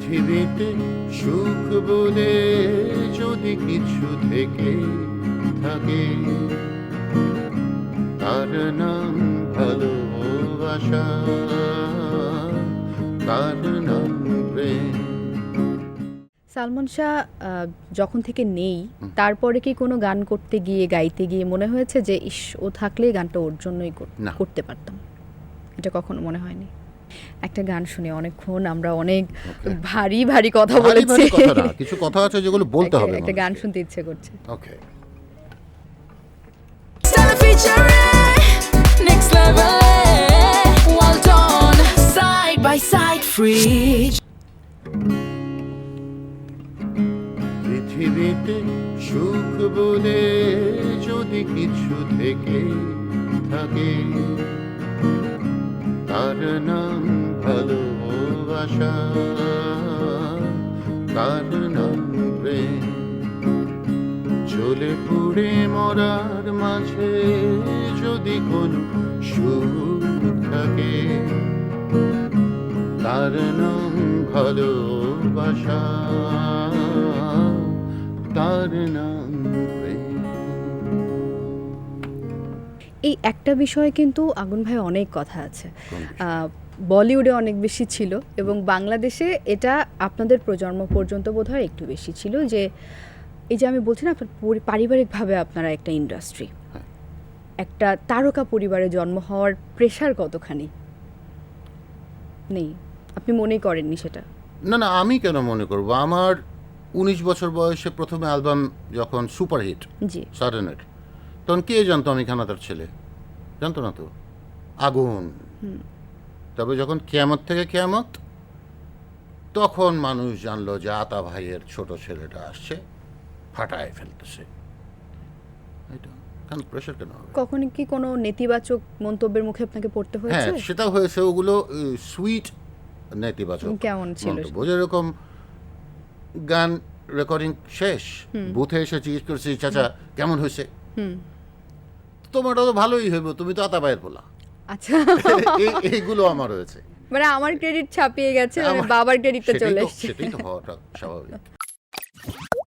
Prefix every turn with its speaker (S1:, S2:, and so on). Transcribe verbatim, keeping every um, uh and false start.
S1: পৃথিবীতে সুখ বলে যদি কিছু থেকে থাকে, তার নাম ভালোবাসা, তার নাম প্রেম।
S2: সালমান শাহ আহ, যখন থেকে নেই, তারপরে কি কোনো গান করতে গিয়ে গাইতে গিয়ে মনে হয়েছে যে ইস, ও থাকলেই গানটা ওর জন্যই কর-
S1: না।
S2: করতে পারতাম? এটা কখনো মনে হয়নি? একটা গান শুনে অনেকক্ষণ আমরা অনেক ভারী ভারী কথা
S1: ভারী
S2: বলেছি,
S1: ভারী কথা না, কিছু কথা আছে যেগুলো বলতে
S2: একটা-
S1: হবে।
S2: একটা গান শুনতে ইচ্ছে করছে।
S1: ওকে,
S3: Stella featuring next level. Well done, side by side, free.
S1: পৃথিবীতে সুখ বলে যদি কিছু থেকে থাকে, তার নাম ভালোবাসা, তার নাম প্রেম। জ্বলে পুড়ে মরার মাঝে যদি কোনো সুখ থাকে, তার নাম ভালোবাসা, তার নাম প্রেম।
S2: এই একটা বিষয়ে কিন্তু আগুন ভাই অনেক কথা আছে। আহ, বলিউডে অনেক বেশি ছিল এবং বাংলাদেশে এটা আপনাদের প্রজন্ম পর্যন্ত বোধহয় একটু বেশি ছিল, যে এই যে আমি বলছি না, আপনার পরি- পারিবারিকভাবে আপনারা একটা ইন্ডাস্ট্রি, একটা তারকা পরিবারে জন্ম হওয়ার প্রেশার কতখানি নেই? আপনি মনেই করেননি সেটা?
S1: না না, আমি কেন মনে করব? আমার উনিশ বছর বয়সে প্রথম অ্যালবাম যখন সুপারহিট
S2: জি,
S1: সাডেনের, তখন কে জানতো আমি খানাদার ছেলে? জানতো না তো। আগুন। তবে যখন কিয়ামত থেকে কিয়ামত, তখন মানুষ জানলো যে আতা ভাইয়ের ছোট ছেলেটা আসছে, ফাটায় ফেলতেছে। এটা কেন প্রেশার কেন হবে?
S2: কখনো কি কোনো নেতিবাচক মন্তব্যের মুখে আপনাকে পড়তে
S1: হ্যাঁ,
S2: হয়েছে?
S1: সেটাও হয়েছে। ওগুলো সুইট নেতিবাচক
S2: কেমন ছিল
S1: মন্তব্য, যেরকম গান রেকর্ডিং শেষ, বুথে এসে জিজ্ঞেস করছি, চাচা কেমন হয়েছে? তোমারটা তো ভালোই হইব, তুমি তো আতা ভাইয়ের পোলা।
S2: আচ্ছা,
S1: এই- এইগুলো আমার হয়েছে।
S2: মানে আমার ক্রেডিট ছাপিয়ে গেছে, মানে
S1: আমার-
S2: বাবার ক্রেডিটটা
S1: সেটাই
S2: চলে
S1: তো-
S2: এসেছে।
S1: সেটাই তো হওয়াটা স্বাভাবিক।